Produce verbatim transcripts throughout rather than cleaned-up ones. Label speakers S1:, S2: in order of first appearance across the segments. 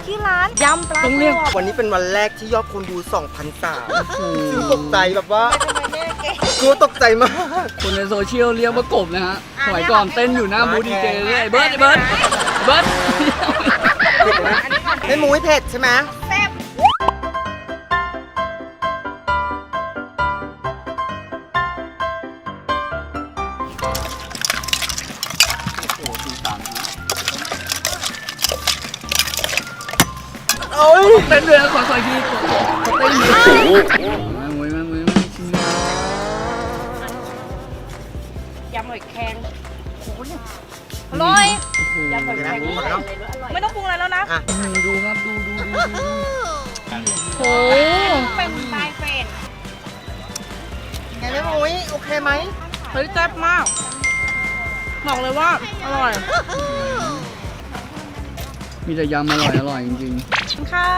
S1: ที่ร้านยำปลาต้องเรียกวันนี้เป็นวันแรกที่ยอดคนดู สองพันสามร้อย ซึ่งตกใจแบบว่ากูตกใจมาก
S2: คนในโซเชียลเรียกว่ากบนะฮะสมัยก่อนเต้นอยู่หน้าบูธดีเจเลยเบิร์ดเบิร์ดเบิร์ด
S1: ไม่มูไม่เผ็ดใช่ไหมแซ่บโอ้ย
S2: เต้นด้วยนะขอขอทีเต้นมาหมวยมาหมวยมาชิม
S3: ยำหอยแครง
S1: อร่อย
S3: ยำหอยแครง
S1: ไม่ต้องปรุงอะไรแล้วนะ
S2: ดูครับดูดูดูดู
S1: โอ้
S3: เป็นลายเป็ด
S1: ไงแม่มุ้ยโอเคไหม
S3: เฮ้ยแซ่บมากบอกเลยว่าอร่อย
S2: มีแต่ยำอร่อยอร่อยจริง
S3: ๆค่ะ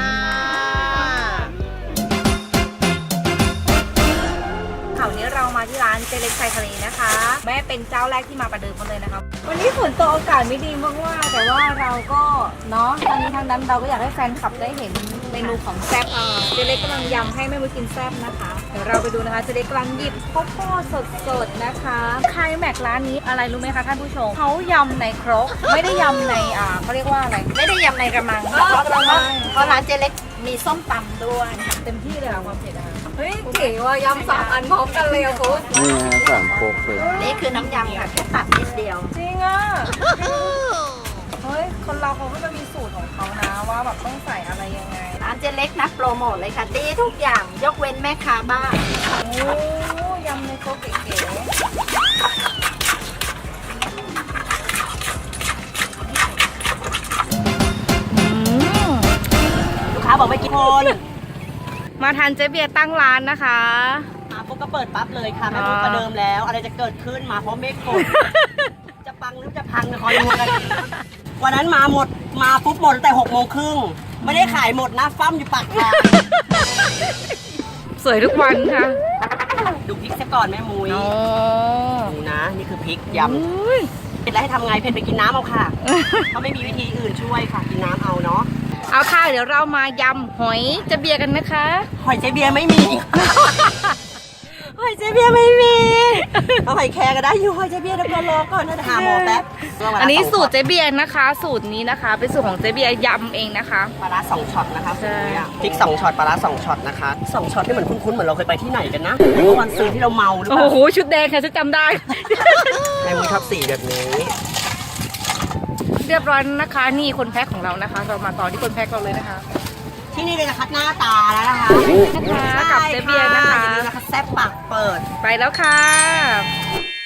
S3: ข่าวนี้เรามาที่ร้านเจเล็กชายทะเลนะคะแม่เป็นเจ้าแรกที่มาประเดิมกันเลยนะคะวันนี้ฝนตกอากาศไม่ดีมากๆแต่ว่าเราก็เนาะทางนี้ทางนั้นเราก็อยากให้แฟนคลับได้เห็นเมนูของแซ่บเจเล็กกำลังยำให้แม่มุ้ยกินแซ่บนะคะเดี๋ยวเราไปดูนะคะเจเล็กกำลังหยิบข้าวโพดสดๆนะคะใครแม็กร้านนี้อะไรรู้ไหมคะท่านผู้ชมเขายำในครกไม่ได้ยำในอ่าเขาเรียกว่าอะไรไม่ได้ยำในกระมังเพราะเพราะร้านเจเล็กมีส้มตำด้วยเต็มที่เลยค่ะความเผ็ดนะคะเฮ้ยเก๋ว่ายำสามอันพร้อมกันเลยอะคุณ
S2: นี่ฮะสามโคกเลย
S3: นี่คือน้ำยำค่ะแค่ตัดนิดเดียวจริงอ่ะเฮ้ยคนเราเขาก็จะมีสูตรของเขานะว่าแบบต้องใส่อะไรยังไงร้านเจเล็กนะโปรโมทเลยค่ะดีทุกอย่างยกเว้นแม่ค้าบ้านโอ้ยำในโคกเก๋ๆลูกค้าบอกไม่กินคนมาทานเจ๊เบียร์ตั้งร้านนะคะ
S4: มาปุ๊บก็เปิดปั๊บเลยค่ะแม่ปุ๊บประเดิมแล้วอะไรจะเกิดขึ้นมาเพราะเมฆฝนจะปังหรือจะพังคอยดูกันวันนั้นมาหมดมาปุ๊บหมดแต่หกโมงครึ่งไม่ได้ขายหมดนะฟั่มอยู่ปากทาง
S3: สวยทุกวันค่ะ
S4: ดูพริกซะก่อนแม่มุ้ยดูนะนี่คือพริกยำเผ็ดแล้วให้ทำไงเผ็ดไปกินน้ำเอาค่ะเขาไม่มีวิธีอื่นช่วยค่ะกินน้ำเอาเนาะ
S3: เอาค่ะเดี๋ยวเรามายำหอยเจ๊เบียร์กันนะคะ
S4: หอยเจ๊เบียร์ไม่มีหอยเจ๊เบียร์ไม่มีเอาหอยแครงก็ได้อยู่หอยเจ๊เบียร์เดี๋ยวก่อนรอก่อนนะหาหมอแป๊บ
S3: อันนี้สูตรเจ๊เบียร์นะคะสูตรนี้นะคะเป็นสูตรของเจ๊เบียร์ยำเองนะคะ
S4: ปลาร้าสองช็อตนะคะใช่พริกสองช็อตปลาร้าสองช็อตนะคะสองช็อตนี่เหมือนคุ้นๆเหมือนเราเคยไปที่ไหนกันนะเมื่อวันซื้อที่เราเมาหรือเปล่า
S3: โอ้โหชุดแดงค่ะฉันจำได้
S4: แม่มุ้ยชอบสีแบบนี้
S3: เรียบร้อยนะคะนี่คนแพ็คของเรานะคะเรามาต่อที่คนแพ็คเราเลยนะคะ
S4: ที่นี่เลยนะคะหน้าตาแล้วนะคะ
S3: นะคะกับเจ๊เบียร์นะคะ
S4: อย่าลืมนะคะแซ่บปากเปิด
S3: ไปแล้วค่ะ